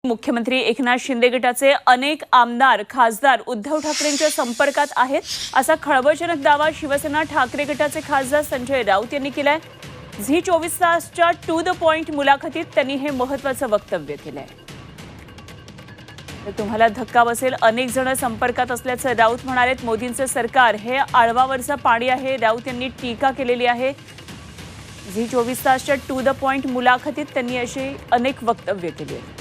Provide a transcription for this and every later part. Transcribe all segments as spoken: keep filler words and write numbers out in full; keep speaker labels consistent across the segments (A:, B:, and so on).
A: मुख्यमंत्री एकनाथ शिंदे गटाचे अनेक आमदार खासदार उद्धव ठाकरेंच्या संपर्कात आहेत असा खळबळजनक दावा शिवसेना ठाकरे गटाचे खासदार संजय राऊत यांनी केलाय। झी चोवीस तासच्या टू द पॉइंट मुलाखतीत त्यांनी हे महत्त्वाचं वक्तव्य केलंय। तर तुम्हाला धक्का बसेल, अनेक जण संपर्कात असल्याचं राऊत म्हणाले। मोदींचं सरकार हे आळवावरचं पाणी आहे, राऊत यांनी टीका केलेली आहे। झी चोवीस तासच्या टू द पॉइंट मुलाखतीत त्यांनी अशी अनेक वक्तव्य केली आहेत।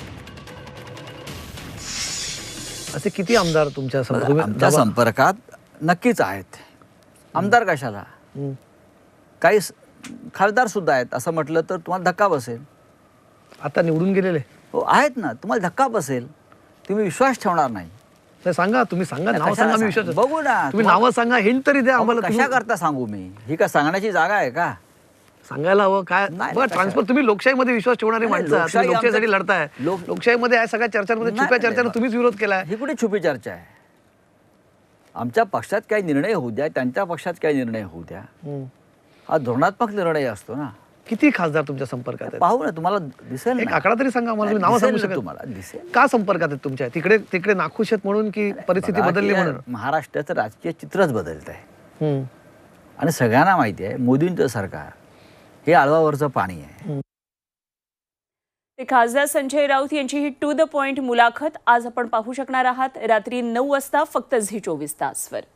B: असे किती आमदार तुमच्या
C: आमच्या संपर्कात नक्कीच आहेत। आमदार कशाला, काही खासदार सुद्धा आहेत असं म्हटलं तर तुम्हाला धक्का बसेल।
B: आता निवडून गेलेले
C: हो आहेत ना, तुम्हाला धक्का बसेल, तुम्ही विश्वास ठेवणार नाही।
B: नाही सांगा, तुम्ही सांगा, नाव सांगा, मी विश्वास
C: बघू ना,
B: तुम्ही नाव सांगा, हिंट तरी द्या आम्हाला।
C: कशा करता सांगू मी? ही का सांगण्याची जागा आहे का?
B: सांगायला हवं काय? बघा, ट्रान्सफर तुम्ही लोकशाहीमध्ये विश्वास ठेवणारे माणसं, तुम्ही लोकशाहीसाठी लढताय। लोकशाहीमध्ये आहे सगळ्या चर्चांमध्ये छुप्या चर्चांना तुम्हीच विरोध केलाय।
C: ही कुठे छुपी चर्चा आहे? आमच्या पक्षात काही निर्णय होऊ द्या, त्यांच्या पक्षात काही निर्णय होऊ द्या, हा धोरणात्मक निर्णय असतो ना।
B: किती खासदार तुमच्या संपर्कात आहेत?
C: पाहू ना, तुम्हाला दिसेल।
B: एक आकडा तरी सांगा आम्हाला, तुम्ही नाव सांगू शकता?
C: तुम्हाला दिसेल
B: का संपर्कात आहेत तुमच्या? तिकडे तिकडे नाखुश आहेत म्हणून की परिस्थिती बदलली म्हणून?
C: महाराष्ट्राचं राजकीय चित्रच बदलत आहे
B: आणि
C: सगळ्यांना माहिती आहे मोदींचं सरकार हे आळवावरचं पाणी आहे।
A: खासदार संजय राऊत यांची ही टू द पॉइंट मुलाखत आज आपण पाहू शकणार आहात रात्री नऊ वाजता फक्त झी चोवीस तासवर।